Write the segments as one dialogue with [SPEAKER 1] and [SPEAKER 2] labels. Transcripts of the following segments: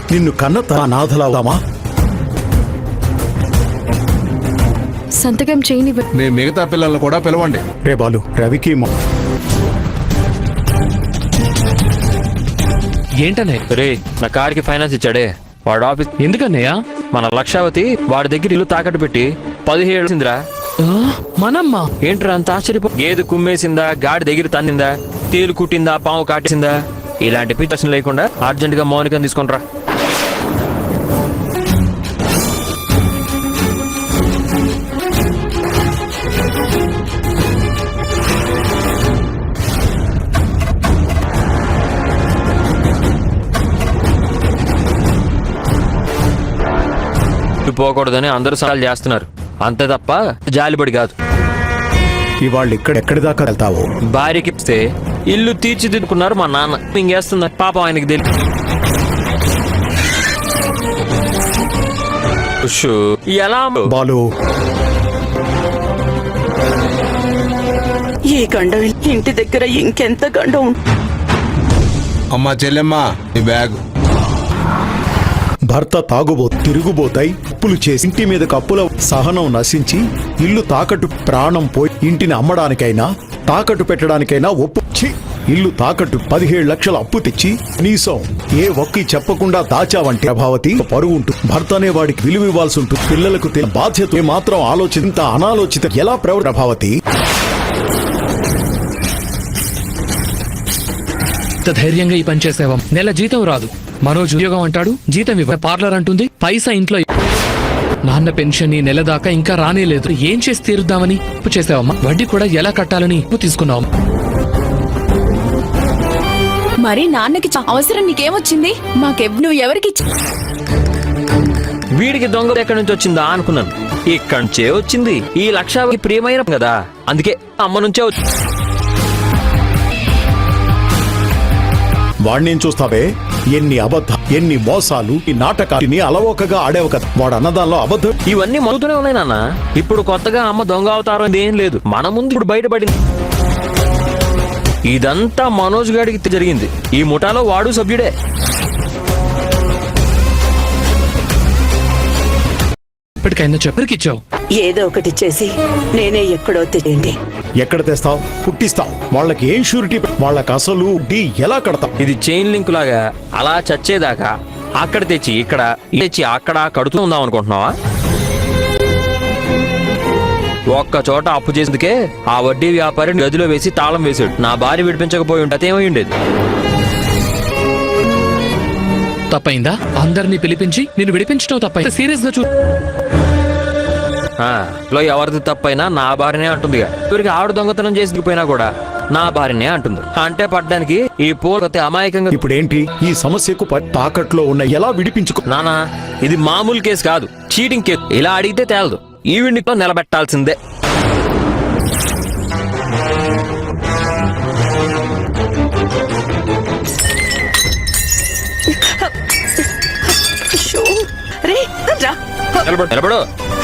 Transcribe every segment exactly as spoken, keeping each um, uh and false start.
[SPEAKER 1] నిన్ను కన్న నాథలావుదామా?
[SPEAKER 2] సంతకం చేయని
[SPEAKER 3] మీ మిగతా పిల్లలను కూడా పిలవండి.
[SPEAKER 1] రే బాలు, రవికి
[SPEAKER 4] ఏంటనే
[SPEAKER 5] రే, నా కార్కి ఫైనాన్స్ ఇచ్చాడే వాడు ఆఫీస్.
[SPEAKER 4] ఎందుకన్నయ్యా?
[SPEAKER 5] మన లక్షావతి వాడి దగ్గర ఇల్లు తాకట్టు పెట్టి పదిహేడు సిందిరా.
[SPEAKER 4] మనమ్మా
[SPEAKER 5] ఏంట్రా అంత ఆశ్చర్యపో? గేదె కుమ్మేసిందా, గాడి దగ్గర తన్నిందా, తేలు కుట్టిందా, పాము కాటేసిందా, ఇలాంటి పిచ్చి లేకుండా అర్జెంట్ గా మౌనికని తీసుకుంట్రా. పోకూడదని అందరూ సవాల్ చేస్తున్నారు, అంతే తప్ప జాలిపడి కాదు.
[SPEAKER 1] ఇవాళ్ళు ఇక్కడ ఎక్కడి దాకా వెళ్తావు?
[SPEAKER 5] భార్యకి ఇస్తే ఇల్లు తీర్చిదిద్దుకున్నారు మా నాన్న, ఇంకేస్తున్నారు పాపం ఆయనకి తెలియదు. ఎలా
[SPEAKER 1] బాలు,
[SPEAKER 6] ఈ గండం ఇంటి దగ్గర ఇంకెంత గండం.
[SPEAKER 3] అమ్మా చెల్లెమ్మ, ఈ బ్యాగ్.
[SPEAKER 1] భర్త తాగుబో తిరుగుబోతాయి అప్పులు చేసి ఇంటి మీద కప్పుల సహనం నశించి ఇల్లు తాకట్టు ప్రాణం పోయి ఇంటిని అమ్మడానికైనా తాకట్టు పెట్టడానికైనా ఒప్పుచ్చి ఇల్లు తాకట్టు పదిహేడు లక్షల అప్పు తెచ్చి కనీసం ఏ ఒక్కి చెప్పకుండా దాచావంటే ప్రభావతి పరువు ఉంటుంది. భర్త అనే వాడికి విలువ ఇవ్వాల్సి ఉంటుంది. పిల్లలకు బాధ్యత మాత్రం ఆలోచింత అనాలోచిత ఎలా ప్రవ ప్రభావతి?
[SPEAKER 4] ధైర్యంగా ఈ పని చేసేవాం. నెల జీతం రాదు, మనోజ్ ఉద్యోగం అంటాడు, జీతం ఇవ్వ, పార్లర్ అంటుంది, పైసా ఇంట్లో. నాన్న పెన్షన్ ఈ నెల దాకా ఇంకా రానేలేదు. ఏం చేసి తీరుద్దామని అప్పు చేసావమ్మా. వడ్డీ కూడా ఎలా కట్టాలని అప్పు తీసుకున్నావు.
[SPEAKER 2] మరి నాన్నకి అవసరం నీకేమొచ్చింది? మాకెవ్ నువ్వు ఎవరికి?
[SPEAKER 5] వీడికి దొంగ ఎక్కడి నుంచి వచ్చిందా అనుకున్నాను, ఇక్కడి నుంచే వచ్చింది. ఈ లక్షకి ప్రియమైన కదా, అందుకే అమ్మ నుంచే వచ్చింది.
[SPEAKER 1] వాణ్ణేం చూస్తావే? ఎన్ని అబద్ధ ఎన్ని మోసాలు, ఈ నాటకాన్ని అలవోకగా ఆడేవు కదా. వాడు అన్నదాల్లో అబద్ధం.
[SPEAKER 5] ఇవన్నీ మరుగుతూనే ఉన్నాయి నాన్న. ఇప్పుడు కొత్తగా అమ్మ దొంగ అవతారం ఏం లేదు, మన ముందు ఇప్పుడు బయటపడింది. ఇదంతా మనోజ్ గాడికి జరిగింది. ఈ ముఠాలో వాడు సభ్యుడే.
[SPEAKER 4] ఇప్పటికైనా చెప్పరికిచ్చావు.
[SPEAKER 6] ఏదో ఒకటి చేసి నేనే ఎక్కడో తెలియండి.
[SPEAKER 1] ఎక్కడ తెస్తావు? పుట్టిస్తావు. వాళ్ళకి ఏం షూరిటీ? వాళ్ళకి అసలు డి ఎలా కడతావు?
[SPEAKER 5] ఇది చైన్ లింక్ లాగా అలా చచ్చేదాకా అక్కడ తెచ్చి ఇక్కడ తెచ్చి అక్కడ కడుతూ ఉందాం అనుకుంటున్నావా? ఒక్క చోట అప్పు చేసేందుకే ఆ వడ్డీ వ్యాపారి గదిలో వేసి తాళం వేసాడు. నా భార్య విడిపించకపోయి ఉంటే అదేమై ఉండేది.
[SPEAKER 4] తప్పైందా? అందరినీ పిలిపించి నిన్ను విడిపించడం తప్పైందా? సీరియస్ గా చూ.
[SPEAKER 5] ఎవరిది తప్పైనా నా భార్యనే అంటుంది. ఇవరికి ఆవిడ దొంగతనం చేసిపోయినా కూడా నా భార్యనే అంటుంది. అంటే పడ్డానికి ఈ పోతే అమాయకంగా.
[SPEAKER 1] ఇప్పుడేంటి ఈ సమస్యకు తాకట్లో ఉన్న ఎలా విడిపించుకో?
[SPEAKER 5] నానా, ఇది మామూలు కేసు కాదు, చీటింగ్ కేసు. ఇలా అడిగితే తేలదు. ఈవిడ్ని నిలబెట్టాల్సిందే. నిలబడు.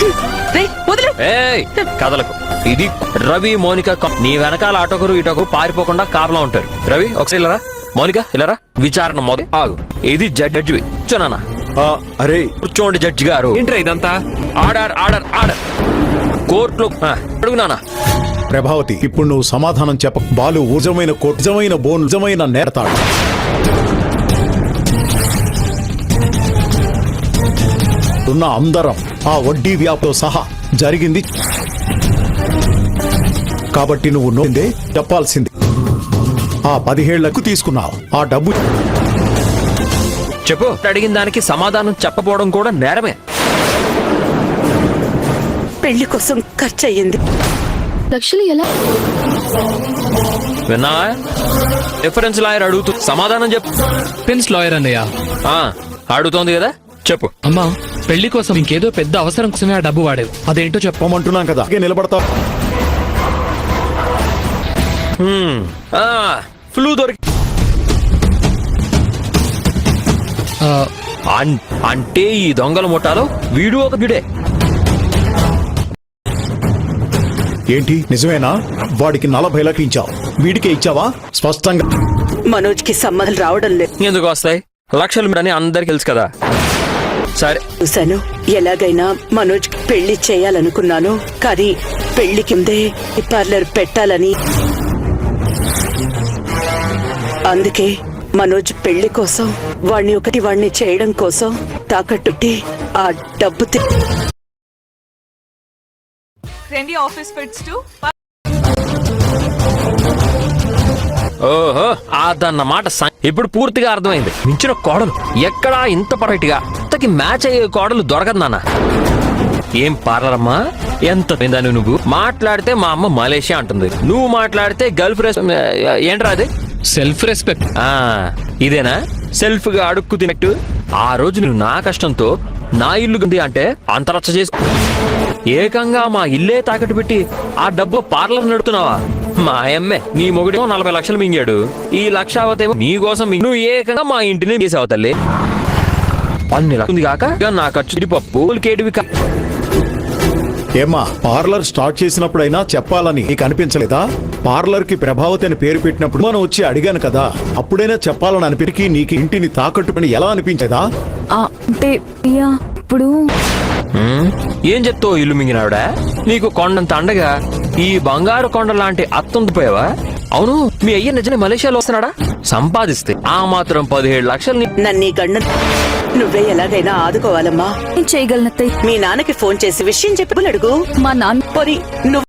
[SPEAKER 5] కదలకు. ఇది రవి మౌనిక. నీ వెనకాల అటొకరు ఇటొకరు పారిపోకుండా కాపలా ఉంటారు. రవి ఒకసారి ఇలారా, మౌనిక ఇలారా. విచారణ మొదలు ఆగు. ఇది జడ్జి. కూర్చోనా?
[SPEAKER 1] అరే
[SPEAKER 5] కూర్చోండి జడ్జి గారు.
[SPEAKER 4] ఏంట్రా ఇదంతా?
[SPEAKER 5] ఆర్డర్ ఆర్డర్ ఆర్డర్ కోర్టులో అడుగునానా.
[SPEAKER 1] ప్రభావతి, ఇప్పుడు నువ్వు సమాధానం చెప్ప. బాలు నిజమైన కోర్టు, నిజమైన బోన్, నిజమైన నేరతాడు. ఉన్న అందరం ఆ వడ్డీ వ్యాపారం సహా జరిగింది కాబట్టి నువ్వు నోందే చెప్పాల్సింది. ఆ పదిహేళ్లకు తీసుకున్నావు ఆ డబ్బు.
[SPEAKER 5] చెప్పు. అడిగిన దానికి సమాధానం చెప్పపోవడం కూడా నేరమే.
[SPEAKER 6] పెళ్లి కోసం ఖర్చు అయ్యింది
[SPEAKER 2] లక్షలు. ఎలా
[SPEAKER 5] విన్నావా? రిఫరెన్స్ లాయర్ అడుగుతూ సమాధానం చెప్పు.
[SPEAKER 4] పెన్స్ లాయర్ అన్నయ్య
[SPEAKER 5] అడుగుతోంది కదా, చెప్పు.
[SPEAKER 4] అమ్మా, పెళ్లి కోసం ఇంకేదో పెద్ద అవసరం కోసమే ఆ డబ్బు వాడేవు. అదేంటో చెప్పమంటున్నాం
[SPEAKER 1] కదా. నిలబడతావు.
[SPEAKER 5] ఫ్లూ దొరికి అంటే ఈ దొంగల ముఠాలో వీడు ఒక బిడే.
[SPEAKER 1] ఏంటి నిజమేనా? వాడికి నలభై లక్షలు ఇచ్చావు, వీడికే ఇచ్చావా? స్పష్టంగా
[SPEAKER 6] మనోజ్ కి సంబంధం రావడం లేదు.
[SPEAKER 5] ఎందుకు వస్తాయి? లక్షలు అని అందరికి తెలుసు కదా. సరే
[SPEAKER 6] చూశాను. ఎలాగైనా మనోజ్ పెళ్లి చేయాలనుకున్నాను, కానీ పెళ్లి కిందే పార్లర్ పెట్టాలని. అందుకే మనోజ్ పెళ్లి కోసం వాణ్ణి ఒకటి వాణ్ణి చేయడం కోసం తాకట్టుట్టి ఆ డబ్బు తి-
[SPEAKER 7] Trendy office fits too.
[SPEAKER 5] ఓహో అదన్నమాట సం- ఇప్పుడు పూర్తిగా అర్థమైంది. మించిన కోడలు ఎక్కడా ఇంత పర్ఫెక్ట్ గా ఇంతకి మ్యాచ్ అయ్యే కోడలు దొరకదు నాన్న. ఏం పార్లరమ్మా, ఎంత పెందాను నువ్వు మాట్లాడితే మా అమ్మ మలేషియా అంటుంది, నువ్వు మాట్లాడితే గల్ఫ్ రెస్ ఏంట్రా అది?
[SPEAKER 4] Self respect.
[SPEAKER 5] ఆ ఇదేనా సెల్ఫ్ గా అడుక్కు తినట్టు? ఆ రోజు నువ్వు నా కష్టంతో నా ఇల్లు ఉంది అంటే అంత రచ్చ చేసి ఏకంగా మా ఇల్లే తాకట్టు పెట్టి ఆ డబ్బు పార్లర్ నడుపుతున్నావా? మా అమ్మే నీ మొగుడేమో నలభై లక్షలు మింగాడు, ఈ లక్ష అవతేమో నీ కోసం మింగి- నువ్వు ఏకంగా మా ఇంటిని తీసావు తల్లి. అన్ని లక్షలు ఉంది కాక ఇక నా ఖర్చు పప్పు కేటివి కా-
[SPEAKER 1] ఏమా, పార్లర్ స్టార్ట్ చేసినప్పుడైనా చెప్పాలని నీకు అనిపించలేదా? పార్లర్ కి ప్రభావతి అని పేరు పెట్టినప్పుడు మనం వచ్చి అడిగాను కదా, అప్పుడైనా చెప్పాలని అనిపిరికి నీకు ఇంటిని తాకట్టుకుని ఎలా అనిపించదా?
[SPEAKER 2] ఆ, అంటే అయ్యా, ఇప్పుడు
[SPEAKER 5] ఉమ్, ఏం చెప్తావు ఇల్లు మింగినావిడా? నీకు కొండంత అండగా ఈ బంగారు కొండ లాంటి అత్తుండిపోయావా? అవును, మీ అయ్య నిజమే మలేషియాలో వస్తున్నాడా? సంపాదిస్తే ఆ మాత్రం పదిహేడు లక్షలు నీ-
[SPEAKER 6] నన్ను ఈ గండ నువ్వే ఎలాగైనా ఆదుకోవాలమ్మా.
[SPEAKER 2] ఏం చేయగలనత్తయ్య?
[SPEAKER 6] మీ నాన్నకి ఫోన్ చేసి విషయం చెప్పి అడుగు.
[SPEAKER 2] మా నాన్న
[SPEAKER 6] పోనీ నువ్వు